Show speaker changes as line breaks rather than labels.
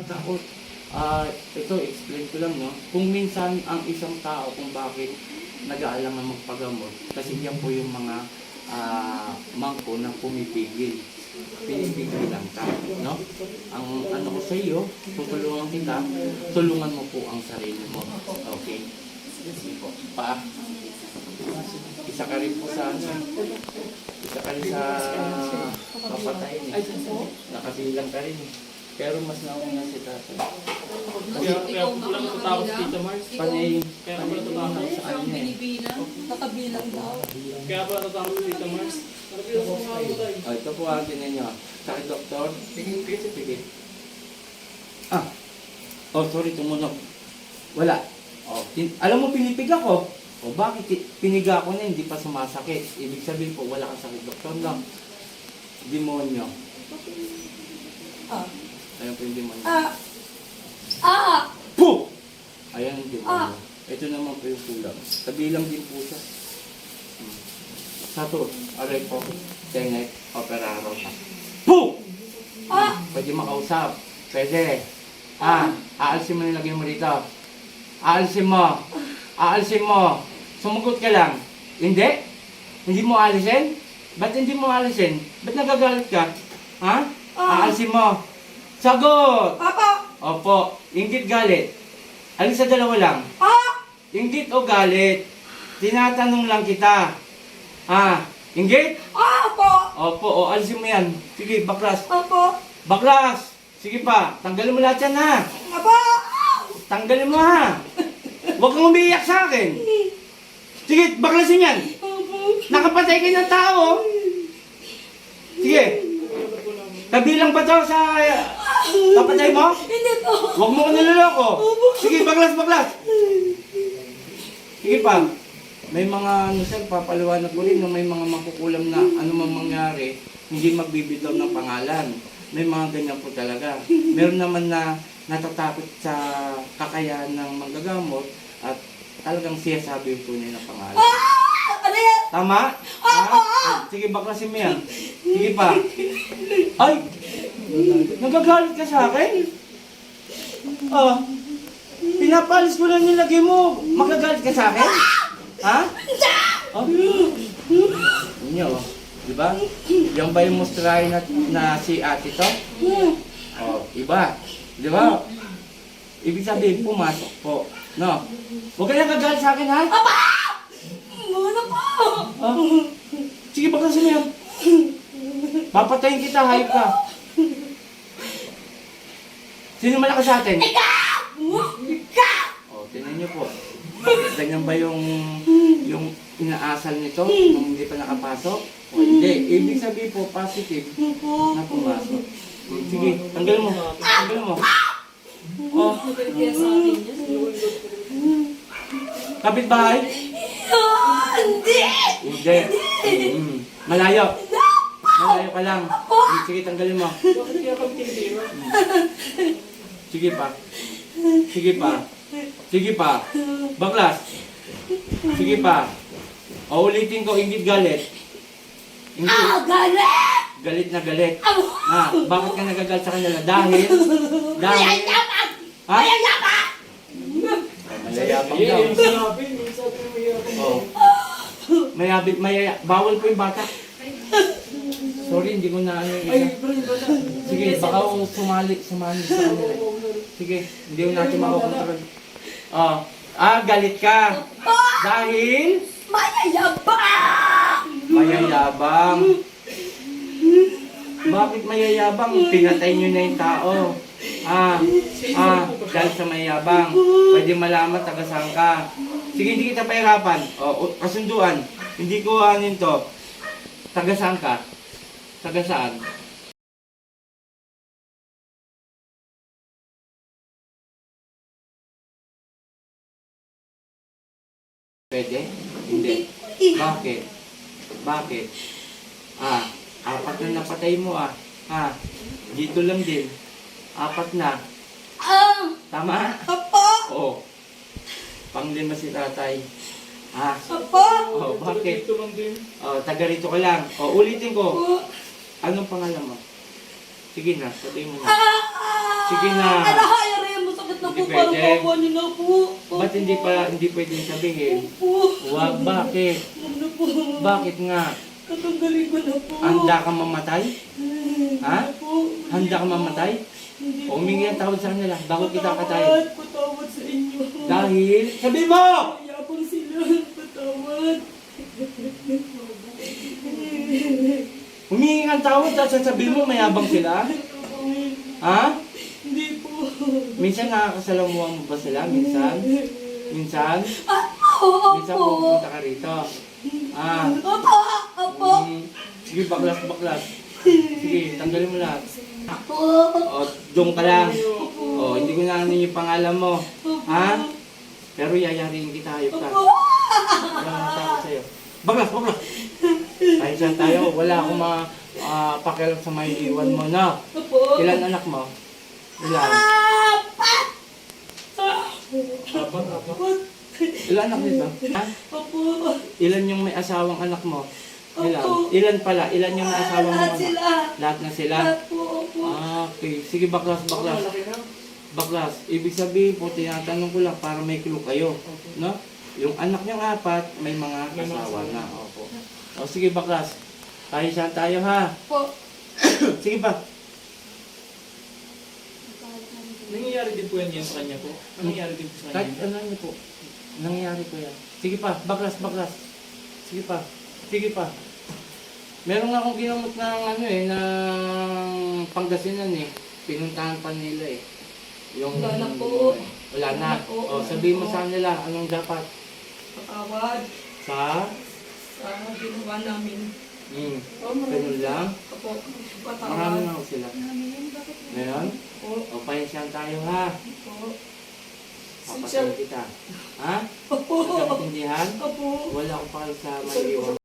magtakot. Ito, explain ko lang, no? Kung minsan ang isang tao kung bakit nag-aalangan magpagamot, kasi yan po yung mga mangko na pumipigil. Pinipigil lang ka, no? Ang ano ko sa iyo, tutulungan kita, tulungan mo po ang sarili mo. Okay? Sige po. Isa ka rin po sa ano. Isa ka rin sa papatayin eh. Nakabilang ka rin eh. Pero mas nauna si tatay.
Kaya po lang natatapos dito, Mars.
Panay,
Kaya po natatapos.
Ikaw ang binibilang, nakabilang daw.
Kaya po natatapos dito, Mars. Nakabilang po nga ako tayo.
ito po ang ninyo. Sakit, doktor. Sige. Sorry, tumunog. Wala. Alam mo, pinipig ako. Bakit piniga ako na hindi pa sumasakit? Ibig sabihin po, wala kang sakit, doktor lang. Demonyo. Ayan po yung demonyo. Puh! Ayan yung demonyo. Ito naman po yung kulang. Kabilang din po siya. Sato, aray po. Tenet, operaro. Puh! Pwede makausap. Pwede. Aalsin mo yung lagyan mo dito. Aalsin mo. Sumugot ka lang. Hindi? Hindi mo alisin? Ba't hindi mo alisin? Ba't nagagalit ka? Aalsin mo. Sagot! Opo. Inggit, galit. Alin sa dalawa lang? Inggit o galit? Tinatanong lang kita. Inggit? Opo. Alisin mo yan. Sige, baklas. Baklas! Sige pa. Tanggalin mo lahat yan, ha? Tanggalin mo, ha? Huwag kang umiiyak sa akin. Sige, baklasin yan. Nakapatay kayo ng tao. Sige. Kabilang ba to sa kapatay mo?
Hindi po.
Huwag mo ko niloloko. Sige, baklas. Sige pa. May mga, papaliwanag ko rin na may mga makukulam na ano man mangyari, hindi magbibitaw ng pangalan. May mga ganyan po talaga. Meron naman na natatakot sa kakayahan ng manggagamot at talagang siya sabi yung tunay na pangalan.
Ano yan?
Tama? Sige, baklasin mo yan. Sige pa. Ay! Nagagalit ka sa akin? Pinapalis ko lang nilagay mo. Magagalit ka sa akin? Inyo, di ba? Yung ba yung mustrahin na si ate to? Iba. Di ba? Ibig sabihin, pumasok po. No? Huwag ka nagagalit sa akin, ha?
Muna po.
Sige, baklasin mo yan. Papatayin kita, hayop ka. Sino malakas sa atin?
Ikaw!
Tingnan niyo po. Ganyan ba yung inaasal nito kung hindi pa nakapasok? O hindi. Ibig sabihin po, positive na pumasok. Sige, tanggal mo. Kapitbahay? Hindi. Malayo ka lang. Sige, tanggalin mo.
Bakit kaya kami tinitira?
Sige pa. Baklas. Sige pa. Ulitin ko, inggit galit.
Galit!
Galit na galit. Bakit ka nagagalit sa kanila? Dahil?
Mayayabang!
Mayayabang daw.
Yung sinabi mo
Mayayabang. Bawal po yung bata. Sorry, hindi ko na ano yung isa. Sige, baka sumali sa kanila. Sige, hindi ko natin makakontrol. Galit ka. Dahil? Mayayabang. Bakit mayayabang? Pinatay nyo na yung tao. Dahil sa mayayabang. Pwede malaman, tagasang ka. Sige, hindi kita pahirapan. Kasunduan. Hindi ko anin to. Tagasang ka. Tagasaan. Pwede? Hindi. Bakit? Apat na napatay mo dito lang din. Apat na. Tama? Oo. Panglima si tatay. Bakit? Taga rito ka lang. Ulitin ko. Anong pangalan mo? Sige na, sabihin mo na. Sige na.
Alahayari mo, sakit na po.
Hindi
Parang
pwede.
kawa niyo na po.
Ba't hindi pwedeng sabihin?
Po.
Huwag, bakit?
Huwag na po.
Bakit nga?
Tatanggalin ko na po.
Handa ka mamatay? Ha?
Hindi po.
Handa ka mamatay?
Hindi
O humingi ng tawad sa kanila bago kita
Patawad,
katayin.
patawad sa inyo.
Dahil, sabi mo!
Mayabang sila. Patawad.
Humingi ng tawad at sasabihin mo mayabang sila? Ha?
Hindi po.
Minsan nakakasalamuhan mo ba sila? Minsan? Minsan?
Opo.
Minsan pupunta ka rito. Ah.
Opo. Opo.
Sige, baklas. Sige, tanggalin mo lahat.
Opo.
O, doon ka lang. O, hindi ko na ano yung pangalan mo. Ha? Pero yayariin kita, hayop ka.
Opo.
Wala nang takot sa'yo. Baklas! Tayo saan tayo? Wala akong pakialam sa may iwan mo, na.
Opo.
Ilan anak mo? Ilan?
Apat.
Ilan anak nito? Ha?
Opo.
Ilan yung may asawang anak mo? Ilan?
Opo.
Ilan pala? Ilan yung may asawang
Lahat
anak?
sila.
Lahat na sila?
Lahat po. Opo.
Okay. Sige, baklas. Baklas. Ibig sabihin po, tinatanong ko lang para may clue kayo. No? Yung anak niyang apat, may mga asawa na. Opo. O sige, baklas. Tayo saan tayo, ha?
Opo.
Sige pa.
Nangyayari din po yan sa kanya po. Nangyayari din po sa
Kahit
kanya.
ano niyo po. Nangyayari po yan. Sige pa. Baklas. Sige pa. Meron nga akong ginamot ng ng Pangasinan eh. Pinuntahan pa nila eh. Yung,
Wala na po.
Wala na.
Wala po.
O, sabihin mo sa nila, anong dapat?
Patawad.
Sa?
Sa ginawa namin.
Ganun lang.
Opo.
Marami
Patawad.
na ako sila. Ngayon?
Opo.
O, pahinsyan tayo ha.
Opo.
Papatayin kita. Ha?
Opo.
Nagkaintindihan?
Opo.
Wala akong pakal sa maliwan.